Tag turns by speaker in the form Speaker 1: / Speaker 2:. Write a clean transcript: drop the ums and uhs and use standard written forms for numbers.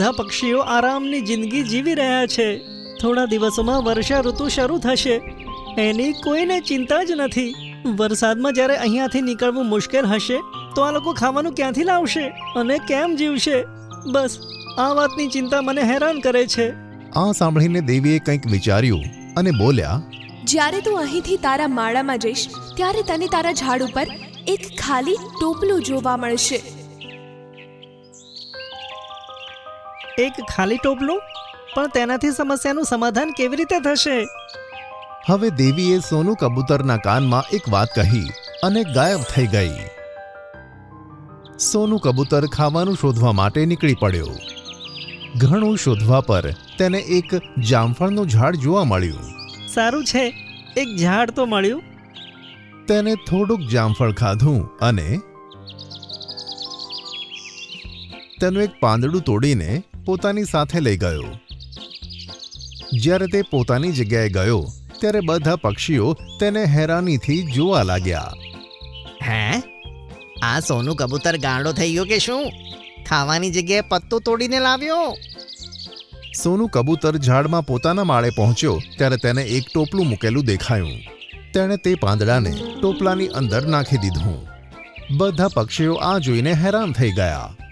Speaker 1: બધા પક્ષીઓ આરામની જિંદગી જીવી રહ્યા છે. થોડા દિવસોમાં વર્ષા ઋતુ શરૂ થશે. એની કોઈને ચિંતા જ નથી. વરસાદમાં જ્યારે અહીંયાથી નીકળવું મુશ્કેલ હશે તો આ લોકો ખાવાનું ક્યાંથી લાવશે અને કેમ જીવશે? બસ આ વાતની ચિંતા મને હેરાન કરે છે.
Speaker 2: આ સાંભળીને દેવીએ કંઈક વિચાર્યું અને બોલ્યા,
Speaker 3: જ્યારે તું અહીંથી તારા માળામાં જઈશ ત્યારે તને તારા ઝાડ ઉપર એક ખાલી ટોપલું જોવા મળશે.
Speaker 1: એક ખાલી ટોપલું? પણ તેનાથી સમસ્યાનું સમાધાન કેવી રીતે થશે?
Speaker 2: હવે દેવીએ સોનું કબૂતરના કાનમાં એક વાત કહી અને ગાયબ થઈ ગઈ. સોનું કબૂતર ખાવાનું શોધવા માટે નીકળી પડ્યો. ઘણું શોધવા પર તેને એક જામફળનું ઝાડ જોવા મળ્યું.
Speaker 1: સારું છે, એક ઝાડ તો મળ્યું.
Speaker 2: તેને થોડુંક જામફળ ખાધું અને તેનું એક પાંદડું તોડીને પોતાની સાથે લઈ ગયો. જ્યારે તે પોતાની જગ્યાએ ગયો ત્યારે બધા પક્ષીઓ તેને હેરાનીથી જોવા લાગ્યા.
Speaker 4: હે, આ સોનું કબૂતર ગાંડો થઈ ગયો કે શું? ખાવાની જગ્યાએ પત્તો તોડીને લાવ્યો.
Speaker 2: સોનું કબૂતર ઝાડમાં પોતાના માળે પહોંચ્યો ત્યારે તેને એક ટોપલું મૂકેલું દેખાયું. તેણે તે પાંદડાને ટોપલાની અંદર નાખી દીધું. બધા પક્ષીઓ આ જોઈને હેરાન થઈ ગયા.